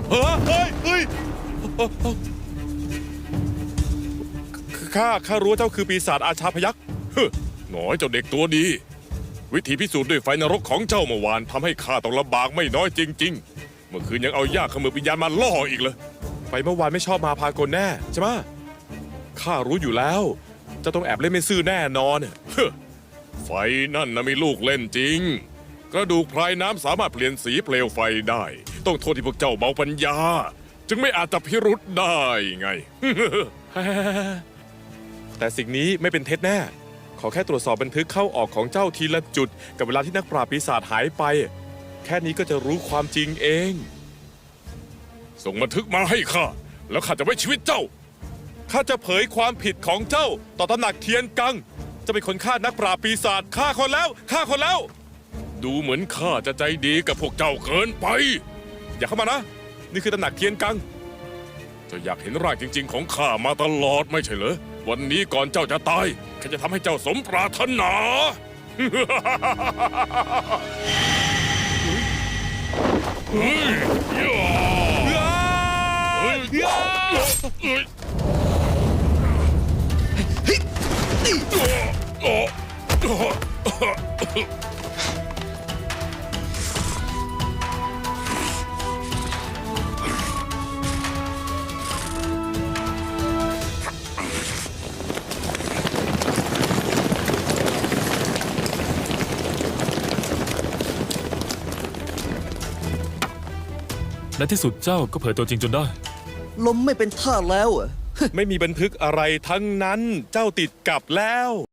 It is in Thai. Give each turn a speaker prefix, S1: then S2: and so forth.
S1: เฮ้ยข้ารู้ว่าเจ้าคือปีศาจอาชาพยัคฆ์หน่อยเจ้าเด็กตัวดีวิธีพิสูจน์ด้วยไฟนรกของเจ้าเมื่อวานทำให้ข้าต้องลำบากไม่น้อยจริงๆเมื่อคืนยังเอายากขมือวิญญาณมาล่ออีกเลยไฟเมื่อวานไม่ชอบมาพากลแน่ใช่ไหมข้ารู้อยู่แล้วเจ้าต้องแอบเล่นไม่ซื่อแน่นอนไฟนั่นนะมีลูกเล่นจริงกระดูกพรายน้ำสามารถเปลี่ยนสีเปลวไฟได้ต้องโทษที่พวกเจ้าเบาปัญญาจึงไม่อาจจับพิรุธได้ไง แต่สิ่งนี้ไม่เป็นเท็จแน่ขอแค่ตรวจสอบบันทึกเข้าออกของเจ้าทีละจุดกับเวลาที่นักปราบปีศาจหายไปแค่นี้ก็จะรู้ความจริงเองส่งบันทึกมาให้ข้าแล้วข้าจะไว้ชีวิตเจ้าข้าจะเผยความผิดของเจ้าต่อตำหนักเทียนกังจะเป็นคนฆ่านักปราบปีศาจฆ่าคนแล้วดูเหมือนข้าจะใจดีกับพวกเจ้าเกินไปอย่าเข้ามานะนี่คือตำหนักเทียนกังเจ้าอยากเห็นร่างจริงๆของข้ามาตลอดไม่ใช่เหรอวันนี้ก่อนเจ้าจะตายข้าจะทำให้เจ้าสมปรารถนาเฮ้ย
S2: ในที่สุดเจ้าก็เผยตัวจริงจนได้
S3: ลมไม่เป็นท่าแล้วอ่ะ
S1: ไม่มีบันทึกอะไรทั้งนั้นเจ้าติดกับแล้ว